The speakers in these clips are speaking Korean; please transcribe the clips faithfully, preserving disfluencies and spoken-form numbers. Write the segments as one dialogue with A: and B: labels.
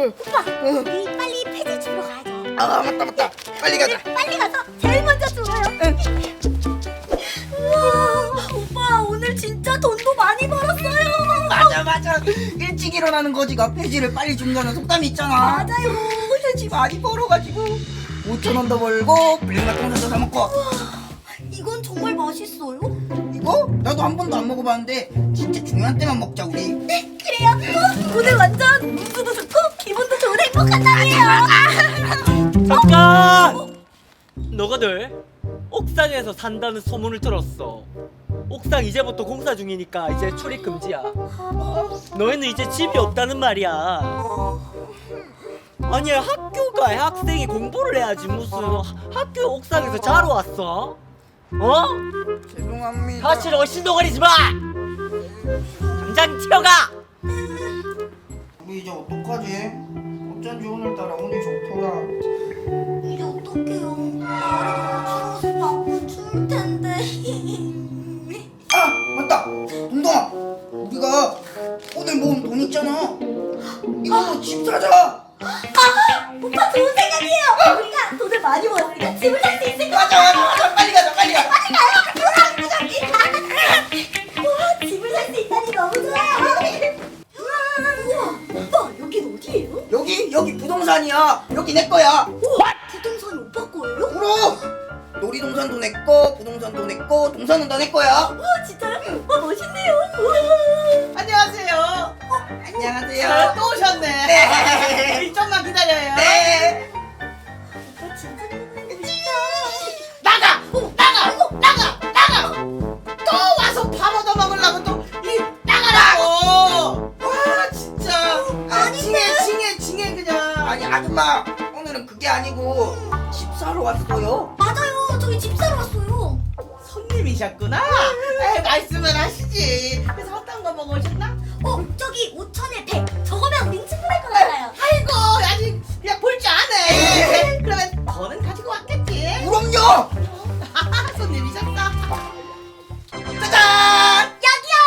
A: 오빠, 우리 빨리 폐지 주러 가야죠.
B: 아 맞다 맞다. 빨리 가자.
A: 빨리 가서 제일 먼저 주워요. 우와, 오빠 오늘 진짜 돈도 많이 벌었어요.
B: 맞아 맞아. 일찍 일어나는 거지가 폐지를 빨리 준다는 속담이 있잖아.
A: 맞아요.
B: 폐지 많이 벌어가지고 오천 원도 벌고 블랙마통사도 사 먹고.
A: 이건 정말 맛있어요?
B: 이거 나도 한 번도 안 먹어봤는데 진짜 중요한 때만 먹자 우리.
A: 네, 그래요. 어, 오늘 완전 운수도 좋고 기분도 좋은 행복한 날이에요.
C: 잠깐! 너가들 옥상에서 산다는 소문을 들었어. 옥상 이제부터 공사 중이니까 이제 출입 금지야. 너희는 이제 집이 없다는 말이야. 아니 학교가 학생이 공부를 해야지 무슨 학교 옥상에서 자러 왔어? 어?
B: 죄송합니다.
C: 사실 어신동거리지 마! 당장 튀어가!
B: 우리 이제 어떡하지? 어쩐지 오늘따라 운이 좋더라.
A: 이제 어떡해요? 날이 너무 추워서 밖은 추울 텐데.
B: 아 맞다. 동동아, 우리가 오늘 모은 돈 있잖아. 이걸로 집 사자.
A: 아, 오빠 좋은 생각이에요. 우리가 돈을 많이 모았으니까 집을 살 수 있을 것
B: 맞아
A: 같아요.
B: 맞아 맞아. 빨리 가자 빨리 가.
A: 빨리 가요. 저기. 와, 집을 살 수 있다니 너무 좋아요. 우와, 오빠 여긴 어디예요?
B: 여기 여기 부동산이야. 여기 내 거야.
A: 우와, 부동산이 오빠 거예요?
B: 그럼 놀이동산도 내 거, 부동산도 내 거, 동산은 다 내 거야.
A: 우와, 진짜요? 와, 멋있네요. 우와.
D: 안녕하세요.
B: 안녕하세요.
D: 아, 또 오셨네.
B: 네.
D: 좀만 기다려요.
B: 네.
A: 오빠 진짜 멋있다.
D: 나가! 나가! 나가! 나가! 또 와서 밥 얻어 먹으려고 또 이 나가라고! 와 진짜. 아, 징해 징해 징해 그냥.
B: 아니 아줌마, 오늘은 그게 아니고 집 사러 왔어요.
A: 맞아요. 저희 집 사러 왔어요.
D: 손님이셨구나. 에이, 말씀을 하시지. 그래서 어떤 거 먹으셨나?
A: 어, 저기 오천에 백. 저거면 링충분할 것 같아요.
D: 아이고 아직 그냥 볼 줄 아네. 그러면 더는 가지고 왔겠지.
B: 그럼요.
D: 손님이셨어.
B: 짜잔.
A: 여기요.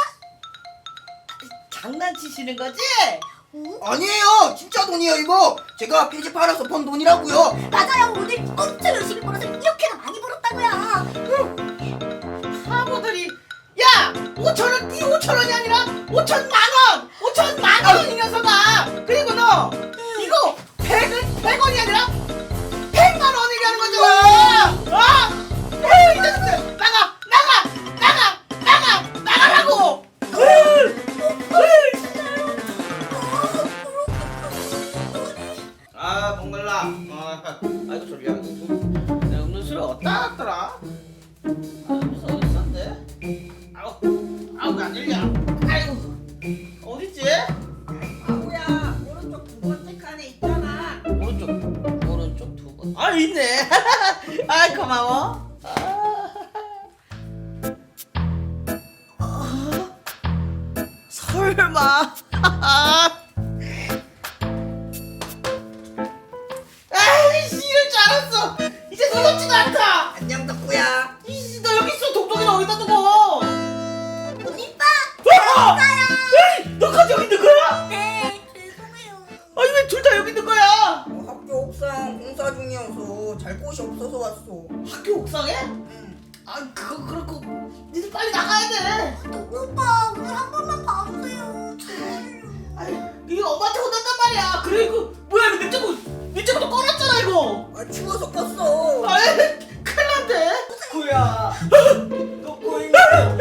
D: 장난치시는 거지?
B: 아니에요. 진짜 돈이에요 이거. 제가 폐지 팔아서 번 돈이라고요.
A: 맞아요. 오늘 엄청 열심히 벌어서 이렇게나 많이 벌었다고요.
D: 바보들이. 야! 오천 원, 이 오천 원이 아니라 오천만 원! 오천만 원 이 녀석아! 그리고 너 이거 백은 백 원이 아니라 백만 원 얘기하는 거잖아! 어? 에이, 이 녀석들! 나가! 나가! 나가! 나가! 나가라고! 아, 몽글라. 아, 아이고, 졸려. 내 음료수를 어디다 놨더라? 아, 음료수 어디 있었는데? 아우, 아우, 안 열려. 아이고, 어딨지? 아우야, 오른쪽 두 번째 칸에 있잖아. 오른쪽, 오른쪽 두 번. 아, 있네. 아, 고마워. 아, 설마. 아이씨, 이럴 줄 알았어. 이제 놀랍지도 않다.
B: 안녕 덕구야.
D: 이씨, 너 여기 있어. 동동이는 어디다 두고?
A: 오빠.
D: 와! 에이, 너까지 여기 있는 거야?
A: 네, 죄송해요.
D: 아니 왜 둘 다 여기 있는 거야?
B: 어, 학교 옥상 공사 중이어서 잘 곳이 없어서 왔어.
D: 학교 옥상에?
B: 응.
D: 아 그거 그렇고 니들 빨리 나가야 돼.
A: 오빠 오늘 한 번만 봐주세요. 제발요.
D: 아니 이거 엄마한테 혼난단 말이야. 그래 이거 뭐야 이거 냉장고 냉장고도 꺼놨잖아 이거.
B: 아 추워서 껐어.
D: 아이 큰일 났네.
C: 구야 너 고잉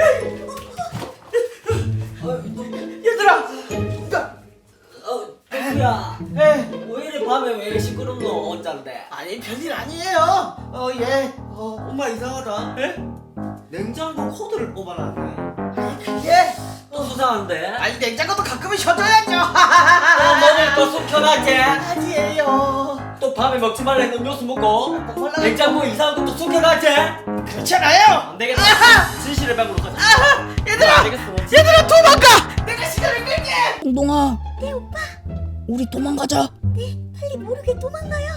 D: 얘들아. 야,
C: 어 구야
D: 에
C: 왜 이래 밤에 왜 시끄럽노 혼잔데?
D: 아니 별일 아니에요. 어 예. 어 엄마 이상하다. 에?
C: 냉장고 코드를 뽑아놨네.
D: 예.
C: 또 수상한데?
D: 아니 냉장고도 가끔은 쉬어줘야죠.
C: 또 뭐를 또 숨겨놨지?
D: 아니에요.
C: 또 밤에 먹지 말라는 음료수 먹고
D: 먹으려고
C: 냉장고에 이상한 것도 숨겨놨지?
D: 그렇잖아요.
C: 안 되겠다. 진실의 방으로 가자.
D: 아하, 얘들아,
C: 안 되겠어.
D: 얘들아 도망가. 내가 시간을 끌게.
B: 동동아,
A: 네 오빠.
B: 우리 도망가자.
A: 네, 빨리 모르게 도망가요.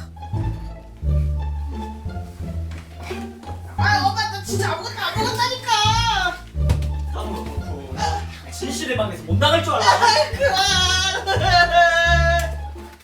D: 아, 엄마 나 진짜 아무것도 안 먹었다니까.
C: 아무도 그렇고 진실의 방에서 못 나갈 줄 알아.
D: 아, 그만.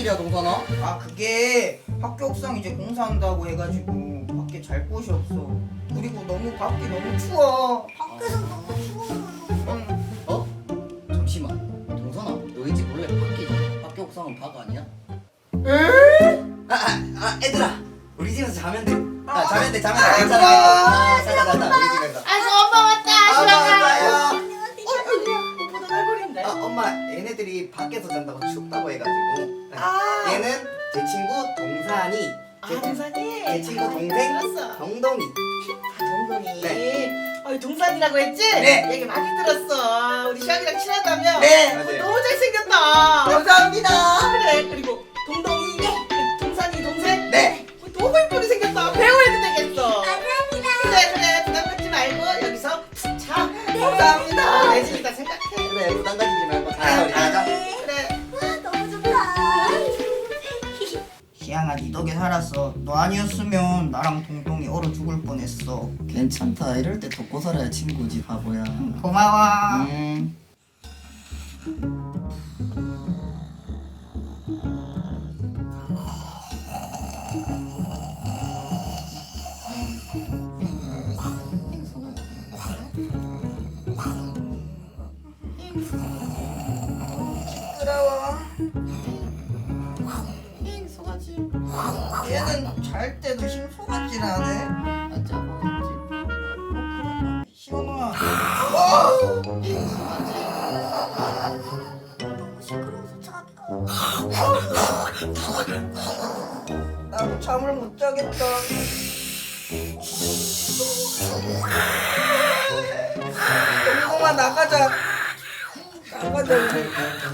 B: 일이야 동선아? 아 그게 학교 옥상 이제 공사한다고 해가지고 밖에 잘 곳이 없어. 그리고 너무 밖이 너무 추워.
A: 밖에서 너무 추워요.
B: 응.
E: 어? 잠시만 동선아 너희 집 원래 밖이잖아. 학교 옥상은 박 아니야? 아, 아, 아 얘들아 우리 집에서 자면 돼. 아 자면 돼 자면 돼 괜찮아. 아, 가자 가자 우리 집에서.
D: 아이고 엄마 왔다.
E: 아
D: 시방아.
E: 맞아요.
D: 보다 얼굴인데.
E: 아 엄마 얘네들이 밖에서 잔다고 춥다고 해가지고.
D: 아.
E: 얘는 제 친구 동산이. 제,
D: 아 동산이.
E: 제 친구 동생
D: 들었어.
E: 동동이.
D: 아 동동이.
E: 네.
D: 어 동산이라고 했지?
E: 네.
D: 얘기 많이 들었어. 우리 시방이랑 친하다며.
E: 네.
D: 어,
E: 맞아요.
D: 너무 잘생겼다.
E: 감사합니다.
D: 그래. 그리고 동동이. 그 동산이 동생.
E: 네.
D: 어, 너무 예쁘게 생겼다. 배우 해도 되겠어.
A: 감사합니다.
D: 그래 그래 부담 갖지 말고 여기서 푹 자. 감사합니다. 내 집이다 생각해.
E: 그래 부담 가지지 말고 자자 우리 자자.
D: 그래.
A: 와, 너무 좋다.
B: 시양아 니 덕에 살았어. 너 아니었으면 나랑 동동이 얼어 죽을 뻔했어.
E: 괜찮다. 이럴 때 돕고 살아야 친구지 바보야.
B: 고마워.
E: 음.
B: 시끄러워. 얘는 잘 때도 심소같질 않네.
E: 맞아.
B: 시원아.
A: 너무 시끄러워서 자기가.
B: 나도 잠을 못 자겠다. 동동아 나가자. 나가자 우리.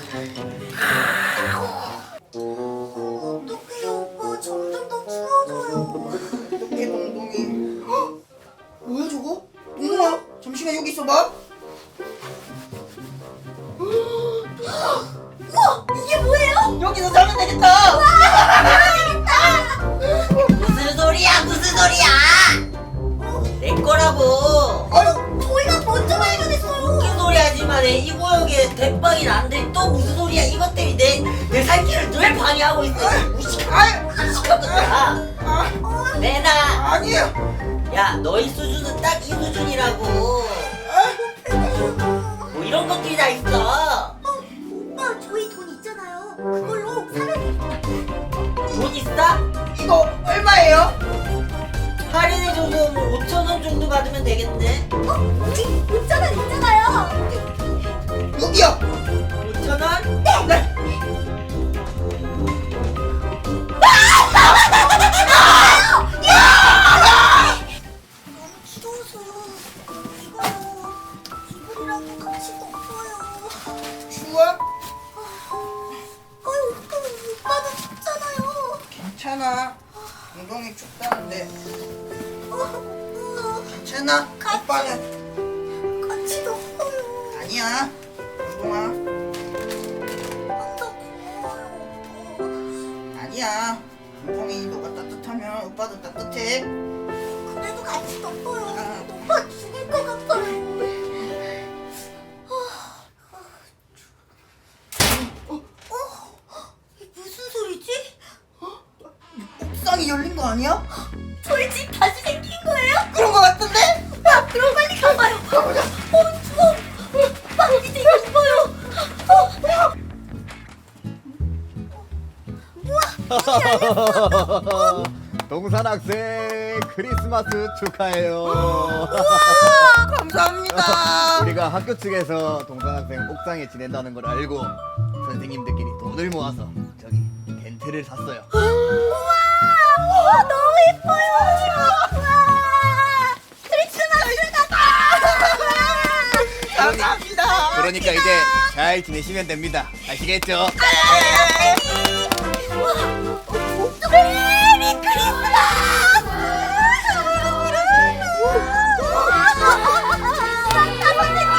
A: 어떡해요, 오빠. 점점 더 추워져요.
B: 어떻게 동동이? 헉! 뭐야 저거? 동동아 잠시만 여기 있어봐.
A: 우와, 이게 뭐예요?
B: 여기서 자면 되겠다.
C: 무슨 소리야 무슨 소리야? 내 거라고.
B: 아유
A: 저희가 먼저 발견했어요.
C: 무슨 소리 하지마. 내 이 구역에 대빵이 난데 또 무슨 소리야. 이것 때문에 내, 내 살길을 늘 방해하고 있어. 무식한 무식하구나.
B: 아,
C: 내나.
B: 아니야.
C: 야 너희 수준은 딱 이 수준이라고. 뭐 이런 것들이 다 있어.
A: 오빠, 저희 돈 있잖아요. 그걸로 사면 돼요.
C: 돈 있어?
B: 이거 얼마예요?
C: 할인해줘서 뭐 오천 원 정도 받으면 되겠네.
A: 어? 우리 오천 원 있잖아요.
B: 여기요.
C: 오천 원?
B: 네.
A: 너무 추워서 이거요. 이불이랑 같이 덮어요.
B: 추워?
A: 아유, 오빠, 오빠도 춥잖아요.
B: 괜찮아. 동동이 춥다는데
A: 어, 오빠,
B: 괜찮아.
A: 같이.
B: 오빠는
A: 같이 덮어요.
B: 아니야. 동동아
A: 항상 고마워요, 오빠.
B: 아니야. 동동이 너가 따뜻하면 오빠도 따뜻해.
A: 그래도 같이 덮어요.
B: 아.
A: 오빠 죽을 것 같아요. 어? 어? 이게 무슨 소리지?
B: 옥상이 열린 거 아니야?
A: 저희 집 다시 생긴 거예요?
B: 그런 거 같은데?
A: 아, 그럼 빨리 가봐요. 가보자. 어, 추워. 빨리 이제 이거 입어요. 어. 우와.
F: 동산 학생 크리스마스 축하해요.
B: 감사합니다.
F: 우리가 학교 측에서 동산 학생 옥상에 지낸다는 걸 알고 선생님들끼리 돈을 모아서 저기 텐트를 샀어요.
A: 우와, 너무 예뻐요. 우와. 크리스마스가
B: 감사합니다.
F: 그러니까 이제 잘 지내시면 됩니다. 아시겠죠?
A: 메리 크리스마스! 산타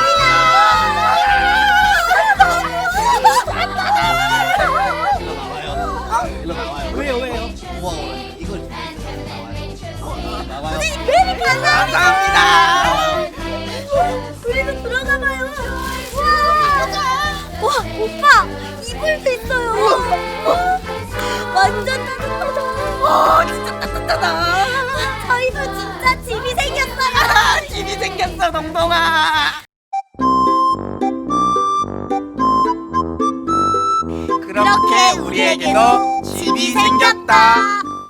F: 일로 나와요. 일로 나와요.
C: 왜요 왜요?
F: 우와 이걸 나와요. 나와요.
A: 메리 감사합니다! 우리도 들어가봐요. 와, 와, 오빠, 이불도 있어요.
D: 생겼어 동동아.
A: 그렇게 우리에게도 집이 생겼다.